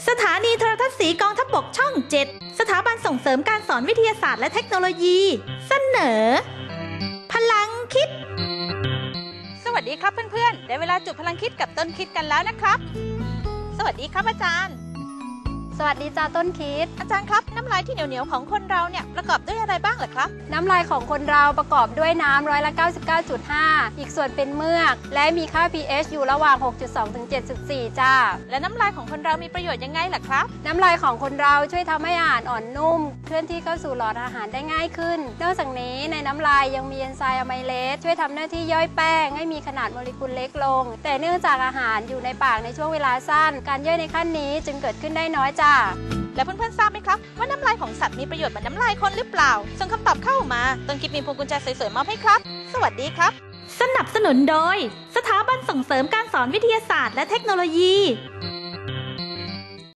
สถานีโทรทัศน์สีกองทัพบกช่อง 7 สถาบันส่งเสริมการสอนวิทยาศาสตร์และเทคโนโลยีเสนอพลังคิดสวัสดีครับเพื่อนๆได้เวลาจุดพลังคิดกับต้นคิดกันแล้วนะครับสวัสดีครับอาจารย์สวัสดีจ้าต้นคิดอาจารย์ครับน้ำลายที่เหนียวๆของคนเราเนี่ยประกอบด้วยอะไรบ้างเหรอครับน้ำลายของคนเราประกอบด้วยน้ำ99.5%อีกส่วนเป็นเมือกและมีค่า pH อยู่ระหว่าง 6.2 ถึง 7.4 จ้าและน้ำลายของคนเรามีประโยชน์ยังไงล่ะครับน้ำลายของคนเราช่วยทำให้อาหารอ่อนนุ่มเคลื่อนที่เข้าสู่หลอดอาหารได้ง่ายขึ้นนอกจากนี้ในน้ำลายยังมีเอนไซม์อะไมเลสช่วยทำหน้าที่ย่อยแป้งให้มีขนาดโมเลกุลเล็กลงแต่เนื่องจากอาหารอยู่ในปากในช่วงเวลาสั้นการย่อยในขั้นนี้จึงเกิดขึ้นได้น้อยจ้าและเพื่อนๆทราบไหมครับว่าน้ำลายของสัตว์มีประโยชน์เหมือนน้ำลายคนหรือเปล่าส่งคำตอบเข้ามาต้นคิดมีพวงกุญแจสวยๆมอบให้ครับสวัสดีครับสนับสนุนโดยสถาบันส่งเสริมการสอนวิทยาศาสตร์และเทคโนโลยี